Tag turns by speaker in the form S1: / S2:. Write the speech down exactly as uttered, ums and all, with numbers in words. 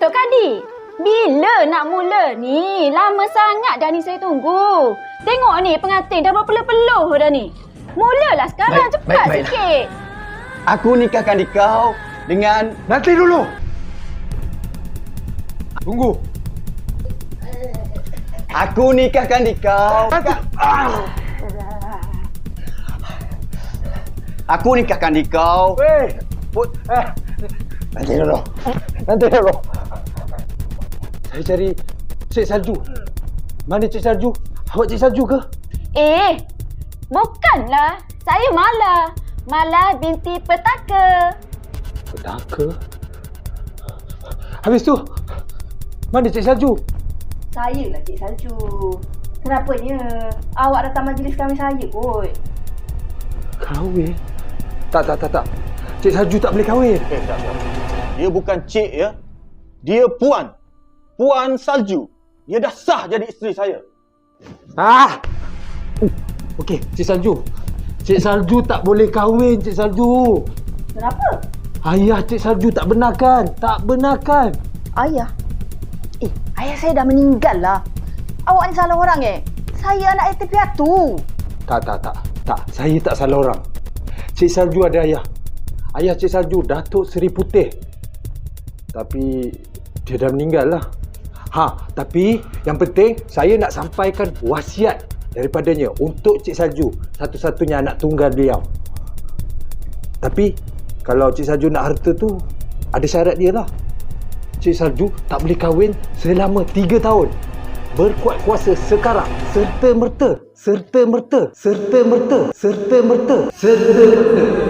S1: Dok Kadi, bila nak mula ni? Lama sangat dah ni saya tunggu. Tengok ni pengantin dah berpeluh-peluh dah ni. Mulalah sekarang,
S2: Baik,
S1: cepat
S2: baik, baik.
S1: sikit.
S2: Aku nikahkan kau dengan...
S3: Nanti dulu. Tunggu.
S2: Aku nikahkan kau.
S3: Nanti. Ah.
S2: Aku nikahkan kau.
S3: Weh. Put. Eh. Nanti dulu. Nanti dulu. Saya cari Cik Salju. Mana Cik Salju? Awak Cik Salju ke?
S1: Eh, bukanlah. Saya Mala. Mala binti Petaka.
S3: Petaka? Habis tu, mana Cik Salju?
S4: Saya lah Cik Salju. Kenapanya? Awak datang majlis kami saya kot.
S3: Kahwin? Tak, tak, tak, tak. Cik Salju tak boleh kahwin.
S5: Eh, tak, tak. Dia bukan cik ya. Dia puan. Puan Salju. Dia dah sah jadi isteri saya.
S3: Ah! Okey, Cik Salju. Cik Salju tak boleh kahwin, Cik Salju.
S4: Kenapa?
S3: Ayah Cik Salju tak benarkan. Tak benarkan.
S4: Ayah? Eh, ayah saya dah meninggal lah. Awak ni salah orang eh. Saya anak yatim piatu.
S3: Tak, tak, tak. Tak, saya tak salah orang. Cik Salju ada ayah. Ayah Cik Salju, Datuk Seri Putih. Tapi, dia dah meninggal lah. Ha, tapi yang penting, saya nak sampaikan wasiat daripadanya untuk Cik Salju, satu-satunya anak tunggal beliau. Tapi, kalau Cik Salju nak harta tu, ada syarat dia lah. Cik Salju tak boleh kahwin selama tiga tahun. Berkuat kuasa sekarang, serta merta, serta merta, serta merta, serta merta, serta merta.